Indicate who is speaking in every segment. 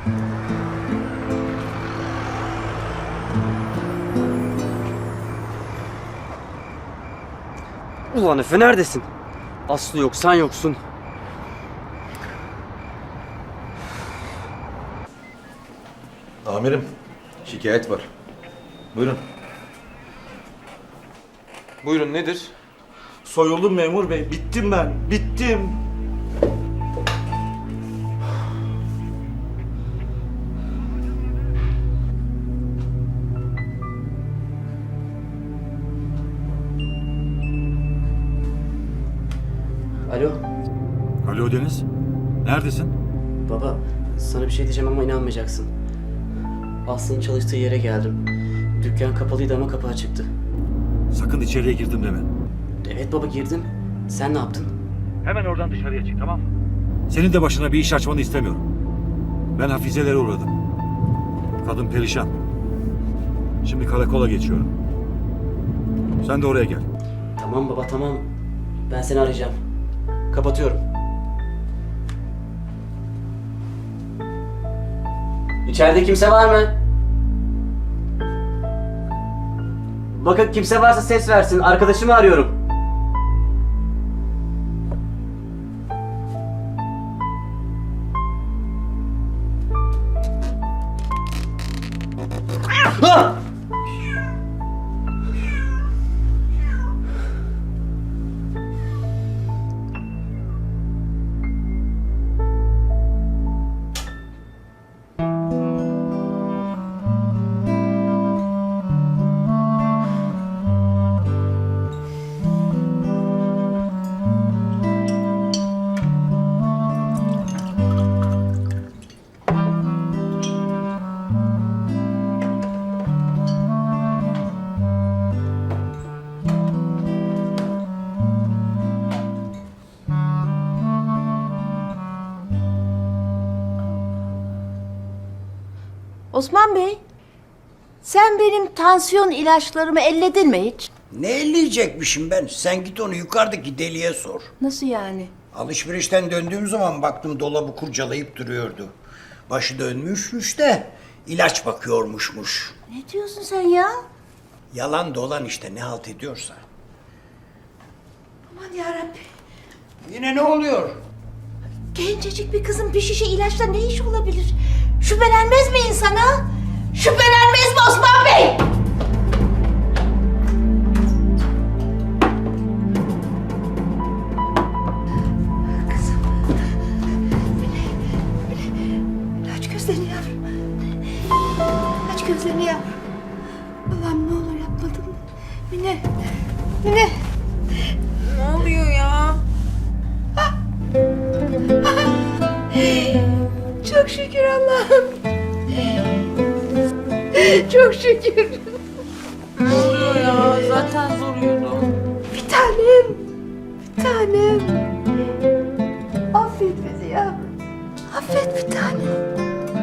Speaker 1: Ulan Efe neredesin? Aslı yok, sen yoksun.
Speaker 2: Amirim, şikayet var. Buyurun.
Speaker 3: Buyurun, nedir?
Speaker 2: Soyuldum memur bey. Bittim ben. Bittim.
Speaker 1: Alo,
Speaker 4: Alo Deniz. Neredesin?
Speaker 1: baba. Sana bir şey diyeceğim ama inanmayacaksın. Aslı'nın çalıştığı yere geldim. Dükkan kapalıydı ama kapı açıktı.
Speaker 4: Sakın içeriye girdim deme.
Speaker 1: Evet baba, girdim. Sen ne yaptın?
Speaker 4: Hemen oradan dışarıya çık, tamam mı? Senin de başına bir iş açmanı istemiyorum. Ben Hafize'lere uğradım. Kadın perişan. Şimdi karakola geçiyorum. Sen de oraya gel.
Speaker 1: Tamam baba, tamam. Ben seni arayacağım. Kapatıyorum. İçeride kimse var mı? Bakın, kimse varsa ses versin. Arkadaşımı arıyorum. Ah!
Speaker 5: Osman Bey, sen benim tansiyon ilaçlarımı elledin mi hiç?
Speaker 6: Ne elleyecekmişim ben? Sen git onu yukarıdaki deliye sor.
Speaker 5: Nasıl yani?
Speaker 6: Alışverişten döndüğüm zaman baktım dolabı kurcalayıp duruyordu. Başı dönmüşmüş de ilaç bakıyormuşmuş.
Speaker 5: Ne diyorsun sen ya?
Speaker 6: Yalan dolan işte ne halt ediyorsa.
Speaker 5: Aman yarabbim.
Speaker 6: Yine ne oluyor?
Speaker 5: Gencecik bir kızın bir şişe ilaçla ne iş olabilir? Şüphelenmez mi insana? Şüphelenmez mi Osman Bey? Kızım. Mine, aç gözlerini yavrum. Aç gözlerini yavrum. Allah'ım ne olur yapmadım. Mine. Mine.
Speaker 7: Ne oluyor ya?
Speaker 5: Çok şükür Allah'ım. Çok şükür.
Speaker 7: Ne oluyor ya? Zaten zor uyudum.
Speaker 5: Bir tanem. Bir tanem. Affet bizi yavrum. Affet bir tanem.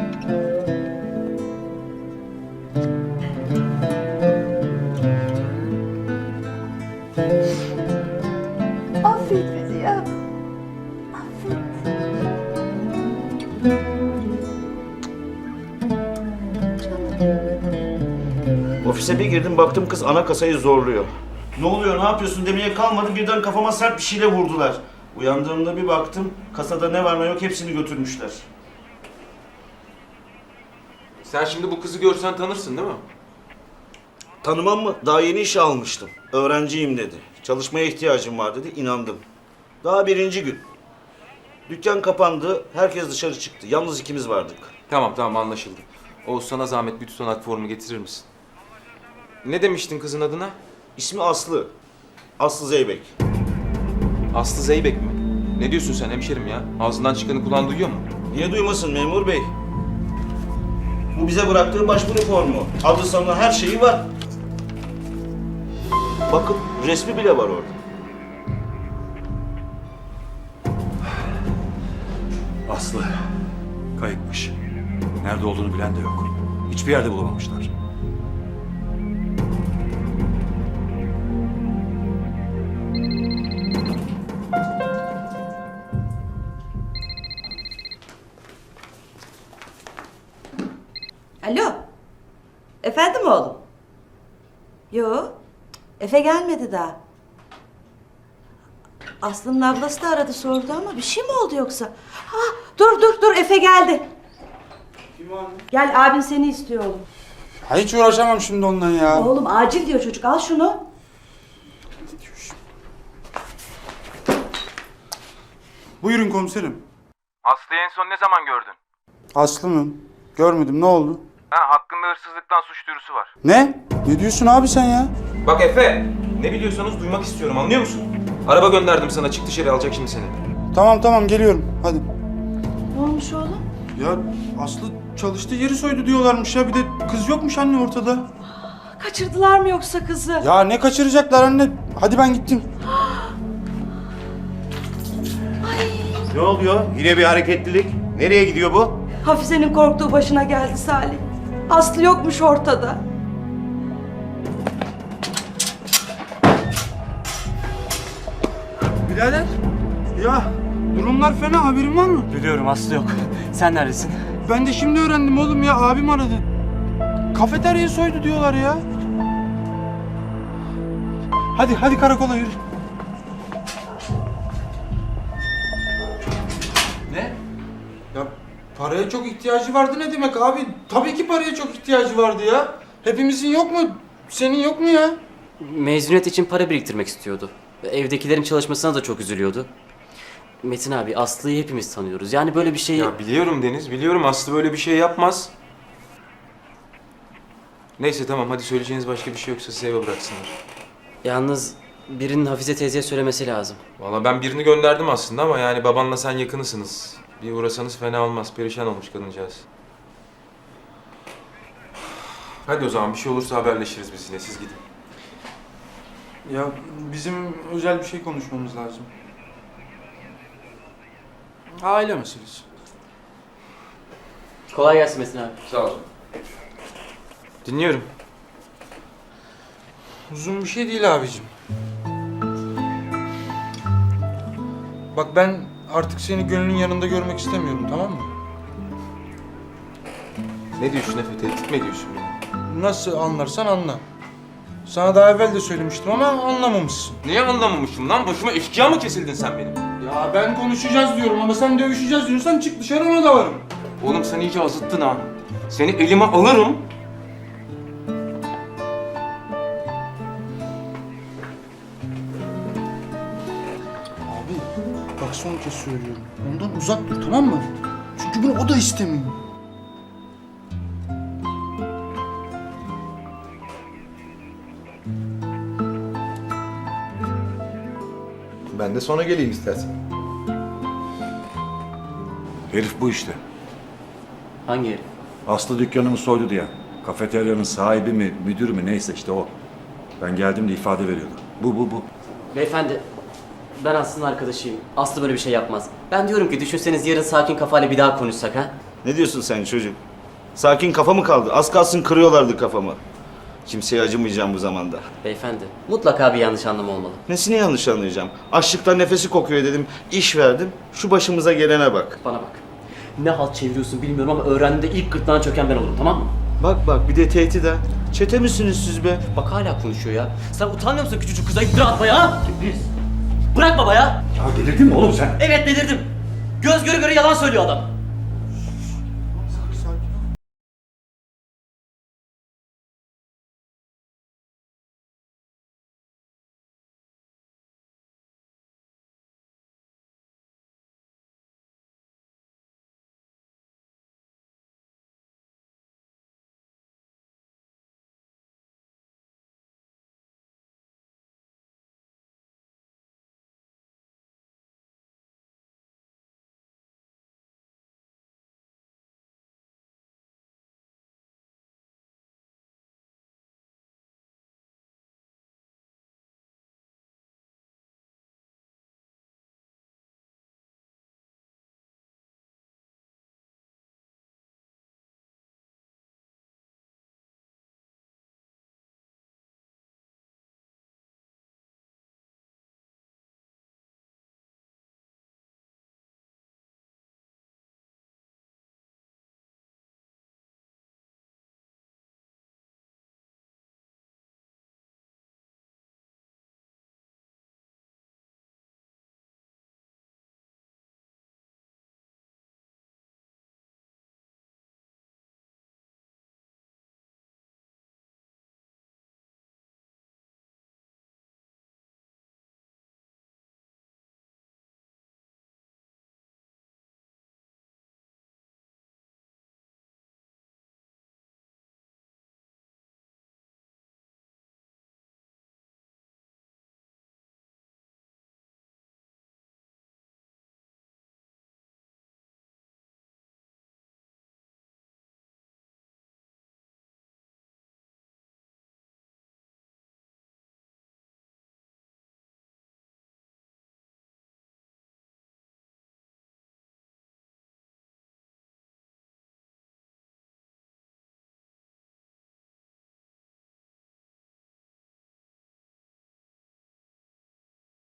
Speaker 5: Affet bizi yavrum. Affet.
Speaker 2: Ofise bir girdim baktım kız ana kasayı zorluyor. Ne oluyor ne yapıyorsun demeye kalmadı birden kafama sert bir şeyle vurdular. Uyandığımda bir baktım kasada ne var ne yok hepsini götürmüşler.
Speaker 3: Sen şimdi bu kızı görsen tanırsın değil mi?
Speaker 2: Tanımam mı? Daha yeni işe almıştım. Öğrenciyim dedi. Çalışmaya ihtiyacım var dedi. İnandım. Daha birinci gün. Dükkan kapandı. Herkes dışarı çıktı. Yalnız ikimiz vardık.
Speaker 3: Tamam anlaşıldı. Oğuz, sana zahmet bir tutanak formu getirir misin? Ne demiştin kızın adına?
Speaker 2: İsmi Aslı. Aslı Zeybek.
Speaker 3: Aslı Zeybek mi? Ne diyorsun sen hemşerim ya? Ağzından çıkanı kulağın duyuyor mu?
Speaker 2: Niye duymasın memur bey? Bu bize bıraktığı başvuru formu. Adı sanı her şeyi var. Bakın resmi bile var orada.
Speaker 4: Aslı kayıpmış. Nerede olduğunu bilen de yok. Hiçbir yerde bulamamışlar.
Speaker 8: Alo. Efendim oğlum? Yo. Efe gelmedi daha. Aslı'nın ablası da aradı sordu ama bir şey mi oldu yoksa? Ha, dur Efe geldi.
Speaker 9: Kim o anne?
Speaker 8: Gel abin seni istiyor oğlum.
Speaker 9: Ha, hiç uğraşamam şimdi ondan ya.
Speaker 8: Oğlum acil diyor çocuk, al şunu.
Speaker 9: Buyurun komiserim.
Speaker 3: Aslı'yı en son ne zaman gördün?
Speaker 9: Aslı mı? Görmedim, ne oldu?
Speaker 3: Hakkında hırsızlıktan suç duyurusu var.
Speaker 9: Ne? Ne diyorsun abi sen ya?
Speaker 3: Bak Efe, ne biliyorsanız duymak istiyorum, anlıyor musun? Araba gönderdim sana, çık dışarı, alacak şimdi seni.
Speaker 9: Tamam geliyorum, hadi.
Speaker 8: Ne olmuş oğlum?
Speaker 9: Ya Aslı çalıştığı yeri soydu diyorlarmış ya. Bir de kız yokmuş anne ortada.
Speaker 8: Kaçırdılar mı yoksa kızı?
Speaker 9: Ya ne kaçıracaklar anne? Hadi ben gittim.
Speaker 10: Ne oluyor? Yine bir hareketlilik. Nereye gidiyor bu?
Speaker 8: Hafize'nin korktuğu başına geldi Salih. Aslı yokmuş ortada.
Speaker 9: Birader. Ya durumlar fena, haberin var mı?
Speaker 1: Biliyorum Aslı yok. Sen neredesin?
Speaker 9: Ben de şimdi öğrendim oğlum ya, abim aradı. Kafeteryayı soydu diyorlar ya. Hadi karakola yürü. Ne? Ya paraya çok ihtiyacı vardı ne demek abi? Tabii ki paraya çok ihtiyacı vardı ya. Hepimizin yok mu? Senin yok mu ya?
Speaker 1: Mezuniyet için para biriktirmek istiyordu. Evdekilerin çalışmasına da çok üzülüyordu. Metin abi, Aslı'yı hepimiz tanıyoruz. Yani böyle bir şey...
Speaker 3: Ya biliyorum Deniz, biliyorum Aslı böyle bir şey yapmaz. Neyse tamam, hadi söyleyeceğiniz başka bir şey yoksa size eve bıraksınlar.
Speaker 1: Yalnız birinin Hafize teyzeye söylemesi lazım.
Speaker 3: Vallahi ben birini gönderdim aslında ama yani babanla sen yakınısınız. Bir uğrasanız fena olmaz, perişan olmuş kadıncağız. Hadi o zaman bir şey olursa haberleşiriz biz yine, siz gidin.
Speaker 9: Ya bizim özel bir şey konuşmamız lazım. Aile meselesi.
Speaker 1: Kolay gelsin Metin abi.
Speaker 3: Sağ ol. Dinliyorum.
Speaker 9: Uzun bir şey değil abicim. Bak ben artık seni gönlünün yanında görmek istemiyorum, tamam mı?
Speaker 3: Ne diyorsun Efe, tehdit mi ediyorsun beni?
Speaker 9: Nasıl anlarsan anla. Sana daha evvel de söylemiştim ama anlamamışsın.
Speaker 3: Niye anlamamışım lan? Başıma eşkıya mı kesildin sen benim?
Speaker 9: Ya ben konuşacağız diyorum ama sen dövüşeceğiz diyorsan çık dışarı, ona da varım.
Speaker 3: Oğlum sen iyice azıttın ha. Seni elime alırım.
Speaker 9: Abi bak son kez söylüyorum. Ondan uzak dur, tamam mı? Çünkü bunu o da istemiyor.
Speaker 10: Ben de sonra geleyim istersen.
Speaker 4: Herif bu işte.
Speaker 1: Hangi herif?
Speaker 4: Aslı dükkanımı soydu diye. Kafeteryanın sahibi mi, müdürü mü neyse işte o. Ben geldiğimde ifade veriyordu. Bu.
Speaker 1: Beyefendi, ben Aslı'nın arkadaşıyım. Aslı böyle bir şey yapmaz. Ben diyorum ki düşünseniz yarın sakin kafayla bir daha konuşsak ha?
Speaker 2: Ne diyorsun sen çocuk? Sakin kafa mı kaldı? Az kalsın kırıyorlardı kafamı. Kimseye acımayacağım bu zamanda.
Speaker 1: Beyefendi, mutlaka bir yanlış anlama olmalı.
Speaker 2: Nesini yanlış anlayacağım? Açlıktan nefesi kokuyor dedim, iş verdim. Şu başımıza gelene bak.
Speaker 1: Bana bak. Ne halt çeviriyorsun bilmiyorum ama öğrendiğinde ilk gırtlağına çöken ben olurum, tamam mı?
Speaker 2: Bak bir de tehdit ha. Çete misiniz siz be?
Speaker 1: Bak hala konuşuyor ya. Sen utanmıyor musun küçücük kıza iftira atmaya ha? Bırak baba ya.
Speaker 4: Ya delirdin mi oğlum sen?
Speaker 1: Evet delirdim. Göz göre göre yalan söylüyor adam.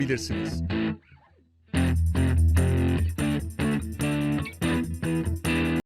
Speaker 11: olabilirsiniz.